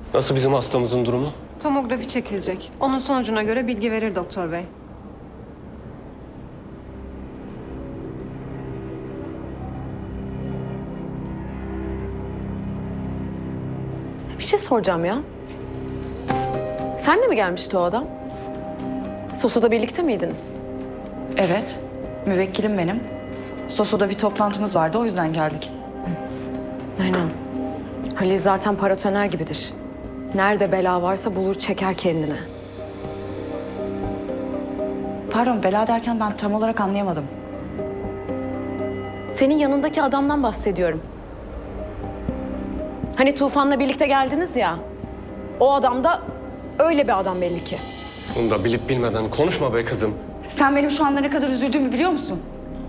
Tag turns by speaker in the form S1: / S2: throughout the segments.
S1: Nasıl bizim hastamızın durumu?
S2: Tomografi çekilecek. Onun sonucuna göre bilgi verir doktor bey.
S3: Bir şey soracağım ya. Senle mi gelmişti o adam? Soso'da birlikte miydiniz?
S4: Evet, müvekkilim benim. Soso'da bir toplantımız vardı, o yüzden geldik.
S3: Aynen. Halil zaten paratoner gibidir. Nerede bela varsa bulur çeker kendine.
S4: Pardon, bela derken ben tam olarak anlayamadım.
S3: Senin yanındaki adamdan bahsediyorum. Hani Tufan'la birlikte geldiniz ya. O adam da öyle bir adam belli ki.
S1: Bunu da bilip bilmeden konuşma be kızım.
S4: Sen benim şu anda ne kadar üzüldüğümü biliyor musun?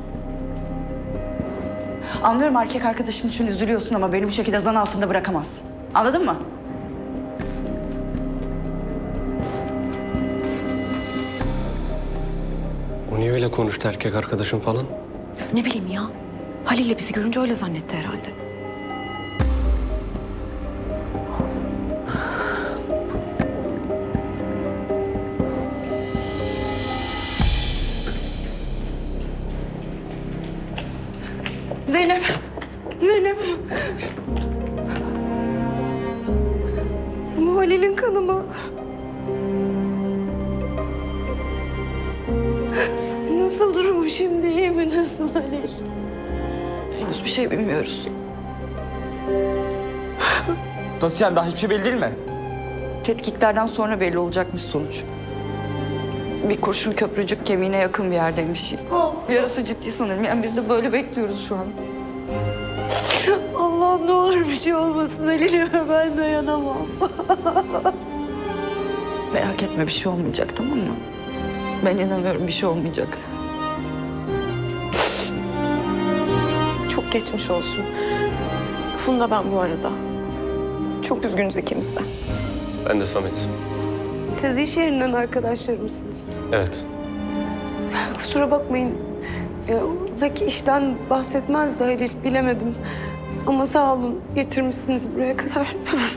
S4: Anlıyorum, erkek arkadaşın için üzülüyorsun ama beni bu şekilde zan altında bırakamazsın. Anladın mı?
S1: O niye öyle konuştu erkek arkadaşım falan?
S3: Ne bileyim ya. Halil'le bizi görünce öyle zannetti herhalde.
S4: Zeynep! Zeynep!
S2: Bu Halil'in kanı mı? Nasıl durumu şimdi? İyi mi? Nasıl Halil?
S4: Henüz bir şey bilmiyoruz.
S5: Nasıl yani? Daha hiçbir şey belli değil mi?
S4: Tetkiklerden sonra belli olacakmış sonuç. Bir kurşun köprücük kemiğine yakın bir yerdeymiş. Yarası ciddi sanırım. Yani biz de böyle bekliyoruz şu an.
S2: Allah'ım ne olur bir şey olmasın Halil'ime, ben dayanamam.
S4: Merak etme, bir şey olmayacak, tamam mı? Ben inanıyorum, bir şey olmayacak.
S3: Çok geçmiş olsun. Funda ben bu arada. Çok üzgünüz ikimiz de.
S1: Ben de Samet.
S6: Siz iş yerinden arkadaşlar mısınız?
S1: Evet.
S6: Kusura bakmayın. Pek işten bahsetmezdi Halil, bilemedim. Ama sağ olun, getirmişsiniz buraya kadar.